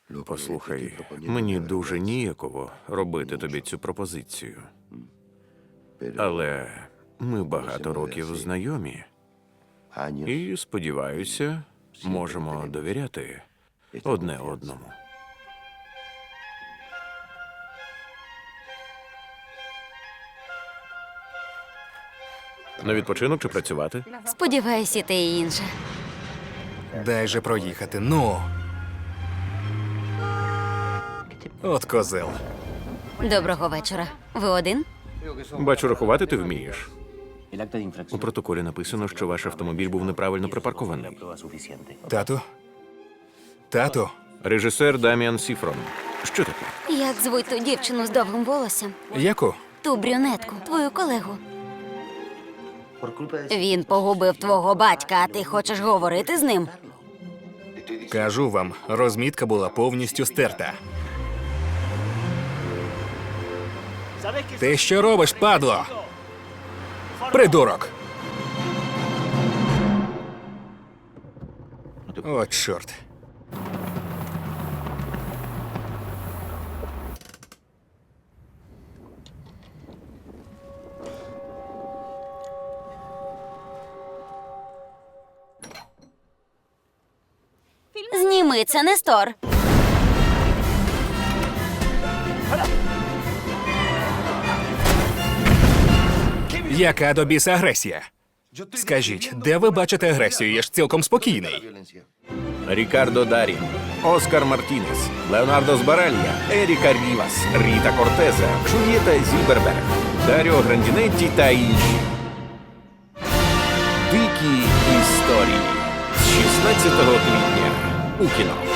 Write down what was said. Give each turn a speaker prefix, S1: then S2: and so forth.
S1: Послухай, мені дуже ніяково робити тобі цю пропозицію. Але ми багато років знайомі і, сподіваюся, можемо довіряти одне одному. На відпочинок чи працювати?
S2: Сподіваюся, те і інше.
S3: Дай же проїхати, ну. От козел.
S2: Доброго вечора. Ви один?
S1: Бачу, рахувати ти вмієш.
S4: El acta de
S1: У
S4: infracción.
S1: протоколі написано, що ваш автомобіль був неправильно припаркований.
S4: Prueba suficiente.
S3: Тату? Тату?
S1: Режисер Даміан Сіфрон. Що таке?
S2: Як звуть ту дівчину з довгим волоссям?
S3: Яку?
S2: Ту брюнетку, твою колегу.
S4: Por culpa de
S2: Він погубив твого батька, а ти хочеш говорити з ним?
S3: Кажу вам, розмітка була повністю стерта. Ти що робиш, падло? Придурок! О, чорт.
S2: Зніми це, Нестор.
S3: Яка до біса агресія? Скажіть, де ви бачите агресію? Я ж цілком спокійний.
S1: Рікардо Дарі, Оскар Мартінес, Леонардо Збаралья, Еріка Рівас, Ріта Кортеза, Джульєта Зільберберг, Даріо Грандінетті та інші. Дикі історії з 16 квітня у кіно.